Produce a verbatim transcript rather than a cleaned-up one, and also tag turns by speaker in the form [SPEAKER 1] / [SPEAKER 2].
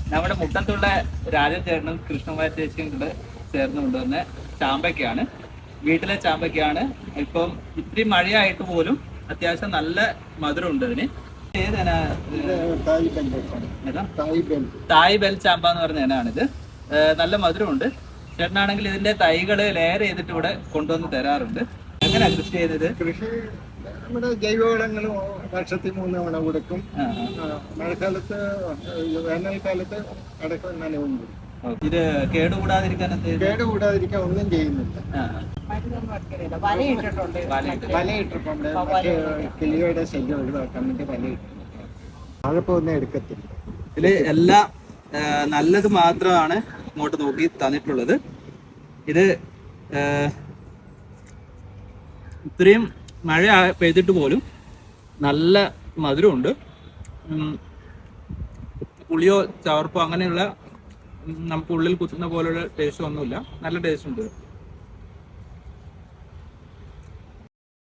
[SPEAKER 1] നമ്മുടെ മുട്ടത്തുള്ള രാജൻ ചേട്ടനും കൃഷ്ണകുമാരി ചേച്ചിയും കൂടെ ചേർന്ന് കൊണ്ടുവന്ന ചാമ്പയ്ക്കാണ്. വീട്ടിലെ ചാമ്പയ്ക്കാണ്. ഇപ്പം ഇത്തിരി മഴയായിട്ട് പോലും അത്യാവശ്യം നല്ല മധുരമുണ്ട് അതിന്. ഏതാണ്? തായ് ബെൽ ചാമ്പ എന്ന് പറഞ്ഞ ഇനാണിത്. നല്ല മധുരമുണ്ട്. ചേട്ടനാണെങ്കിൽ ഇതിന്റെ തൈകള് ലെയർ ചെയ്തിട്ട് ഇവിടെ കൊണ്ടുവന്ന് തരാറുണ്ട്. എങ്ങനെയാ കൃഷി ചെയ്തത്?
[SPEAKER 2] കൃഷി നമ്മുടെ ജൈവവളങ്ങളും വർഷത്തിൽ മൂന്ന് തവണ കൊടുക്കും. മഴക്കാലത്ത് വേനൽക്കാലത്ത് അടക്കം നനവും കൊടുക്കും.
[SPEAKER 1] ഇത് കേടുകൂടാതിരിക്കാൻ
[SPEAKER 2] കേടുകൂടാതിരിക്കാൻ ഒന്നും ചെയ്യുന്നില്ല. വല ഇട്ടിട്ടുണ്ട്. മറ്റേ കിളിയുടെ ശല്യം ഒഴിവാക്കാൻ വേണ്ടി വല ഇട്ടിട്ടുണ്ട്. വാഴപ്പൊന്നും എടുക്കത്തില്ല.
[SPEAKER 1] ഇതില് എല്ലാം നല്ലത് മാത്രമാണ് ഇങ്ങോട്ട് നോക്കി തന്നിട്ടുള്ളത്. ഇത് ഇത്രയും മഴ പെയ്തിട്ട് പോലും നല്ല മധുരമുണ്ട്. പുളിയോ ചവർപ്പോ അങ്ങനെയുള്ള നമുക്ക് ഉള്ളിൽ കുത്തുന്ന പോലുള്ള ടേസ്റ്റ് ഒന്നുമില്ല. നല്ല ടേസ്റ്റ് ഉണ്ട്.